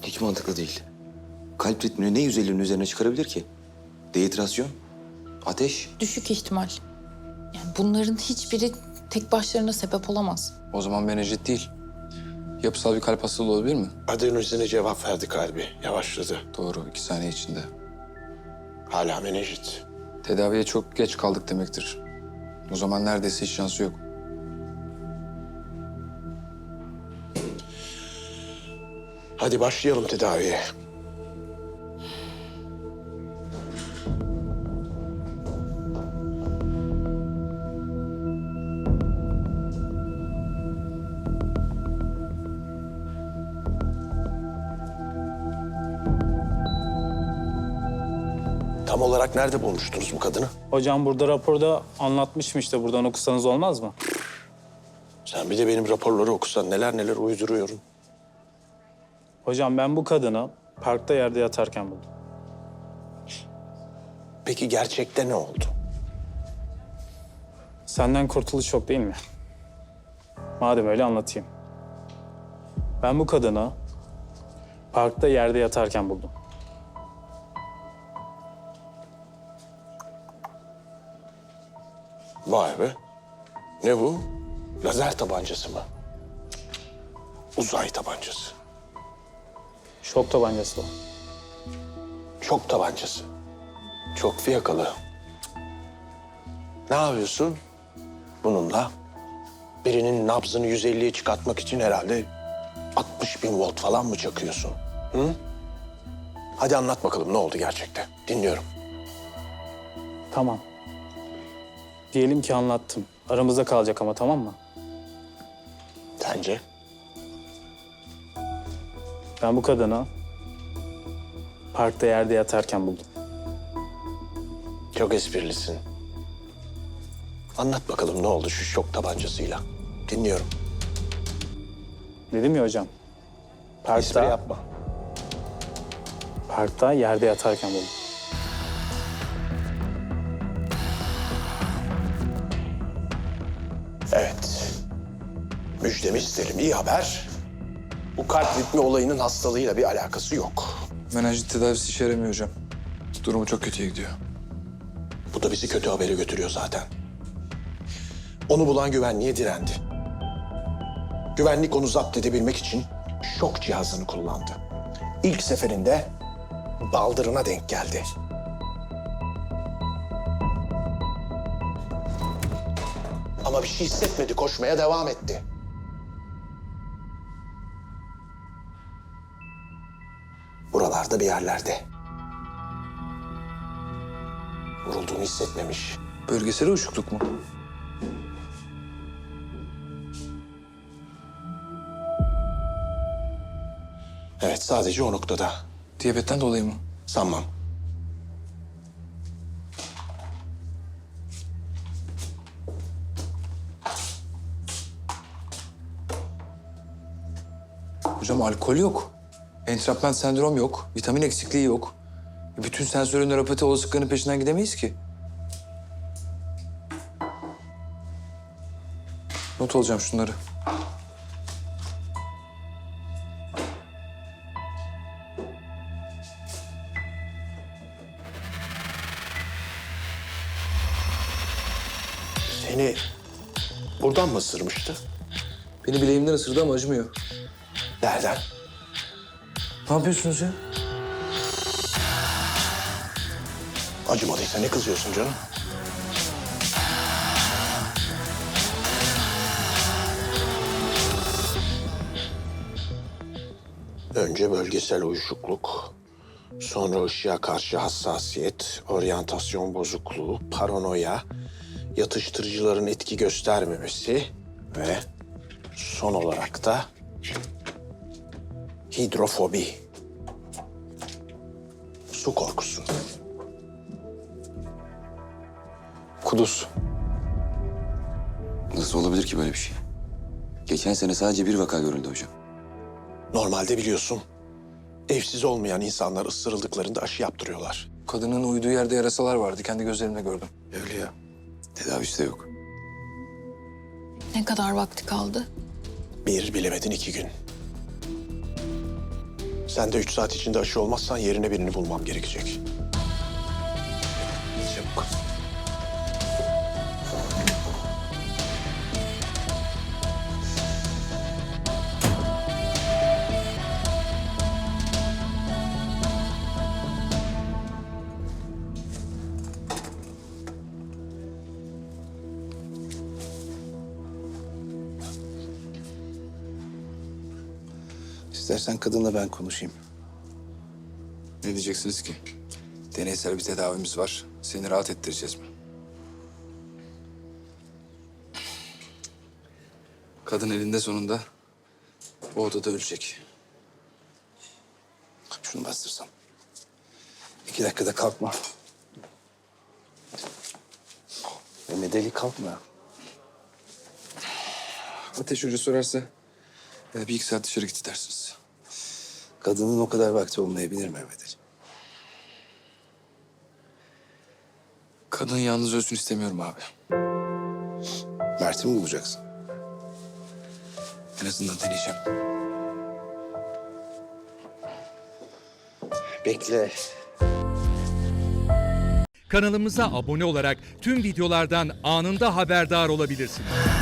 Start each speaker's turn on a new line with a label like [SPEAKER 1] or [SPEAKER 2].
[SPEAKER 1] Hiç mantıklı değil. Kalp ritmini ne 150'nin üzerine çıkarabilir ki? Dehidrasyon, ateş.
[SPEAKER 2] Düşük ihtimal. Yani bunların hiçbiri tek başlarına sebep olamaz.
[SPEAKER 3] O zaman menenjit değil. Yapısal bir kalp hastalığı olabilir mi?
[SPEAKER 4] Adenozine cevap verdi kalbi. Yavaşladı.
[SPEAKER 3] Doğru, 2 saniye içinde.
[SPEAKER 4] Hala menenjit.
[SPEAKER 3] Tedaviye çok geç kaldık demektir. O zaman neredeyse hiç şansı yok.
[SPEAKER 4] Hadi başlayalım tedaviye. Tam olarak nerede bulmuştunuz bu kadını?
[SPEAKER 5] Hocam burada raporda anlatmışım işte. Buradan okusanız olmaz mı?
[SPEAKER 4] Sen bir de benim raporları okusan neler neler uyduruyorum.
[SPEAKER 5] Hocam ben bu kadını parkta yerde yatarken buldum.
[SPEAKER 4] Peki gerçekte ne oldu?
[SPEAKER 5] Senden kurtuluş yok değil mi? Madem öyle anlatayım. Ben bu kadını parkta yerde yatarken buldum.
[SPEAKER 4] Vay be. Ne bu? Lazer tabancası mı? Uzay tabancası.
[SPEAKER 5] Şok tabancası o.
[SPEAKER 4] Şok tabancası. Çok fiyakalı. Ne yapıyorsun bununla? Birinin nabzını 150'ye çıkartmak için herhalde 60.000 volt falan mı çakıyorsun? Hı? Hadi anlat bakalım ne oldu gerçekte. Dinliyorum.
[SPEAKER 5] Tamam. Diyelim ki anlattım. Aramızda kalacak ama, tamam mı?
[SPEAKER 4] Sence?
[SPEAKER 5] Ben bu kadını parkta yerde yatarken buldum.
[SPEAKER 4] Çok esprilisin. Anlat bakalım ne oldu şu şok tabancasıyla. Dinliyorum.
[SPEAKER 5] Dedim ya hocam.
[SPEAKER 4] Espri
[SPEAKER 5] Parkta,
[SPEAKER 4] yapma.
[SPEAKER 5] parkta yerde yatarken buldum.
[SPEAKER 4] Evet. Müjdemi isterim. İyi haber. Bu kalp ritmi olayının hastalığıyla bir alakası yok.
[SPEAKER 3] Menenjit tedavisi işe yaramıyor hocam. Durumu çok kötüye gidiyor.
[SPEAKER 4] Bu da bizi kötü habere götürüyor zaten. Onu bulan güvenliğe direndi. Güvenlik onu zapt edebilmek için şok cihazını kullandı. İlk seferinde baldırına denk geldi. Ama bir şey hissetmedi, koşmaya devam etti. Buralarda bir yerlerde. Vurulduğunu hissetmemiş.
[SPEAKER 3] Bölgesel uyuşukluk mu?
[SPEAKER 4] Evet, sadece o noktada.
[SPEAKER 3] Diyabetten dolayı mı?
[SPEAKER 4] Sanmam.
[SPEAKER 3] Hocam alkol yok. Entrapment sendrom yok. Vitamin eksikliği yok. Bütün sensörün nöropati olasılıklarının peşinden gidemeyiz ki. Not alacağım şunları.
[SPEAKER 4] Seni buradan mı ısırmıştı?
[SPEAKER 3] Beni bileğimden ısırdı ama acımıyor.
[SPEAKER 4] Nereden?
[SPEAKER 3] Ne yapıyorsunuz ya?
[SPEAKER 4] Acımadıysa ne kızıyorsun canım? Önce bölgesel uyuşukluk, sonra ışığa karşı hassasiyet, oryantasyon bozukluğu, paranoya, yatıştırıcıların etki göstermemesi ve son olarak da hidrofobi, su korkusu.
[SPEAKER 3] Kuduz.
[SPEAKER 1] Nasıl olabilir ki böyle bir şey? Geçen sene sadece bir vaka görüldü hocam.
[SPEAKER 4] Normalde biliyorsun, evsiz olmayan insanlar ısırıldıklarında aşı yaptırıyorlar.
[SPEAKER 3] Kadının uyuduğu yerde yarasalar vardı. Kendi gözlerimle gördüm.
[SPEAKER 1] Öyle ya. Tedavisi de yok.
[SPEAKER 2] Ne kadar vakti kaldı?
[SPEAKER 4] Bir bilemedin 2 gün. Sen de 3 saat içinde aşı olmazsan yerine birini bulmam gerekecek. Çabuk.
[SPEAKER 6] İstersen kadınla ben konuşayım.
[SPEAKER 3] Ne diyeceksiniz ki? Deneysel bir tedavimiz var. Seni rahat ettireceğiz mi? Kadın elinde sonunda bu odada ölecek.
[SPEAKER 6] Şunu bastırsan. 2 dakikada kalkma. Mehmet Ali kalkma.
[SPEAKER 3] Ateş Hoca sorarsa bir iki saat dışarı git dersiniz.
[SPEAKER 6] Kadının o kadar vakti olmayabilir Mehmet Ali.
[SPEAKER 3] Kadın yalnız ölsün istemiyorum abi.
[SPEAKER 6] Mert'i mi bulacaksın?
[SPEAKER 3] En azından deneyeceğim.
[SPEAKER 6] Bekle.
[SPEAKER 7] Kanalımıza abone olarak tüm videolardan anında haberdar olabilirsiniz.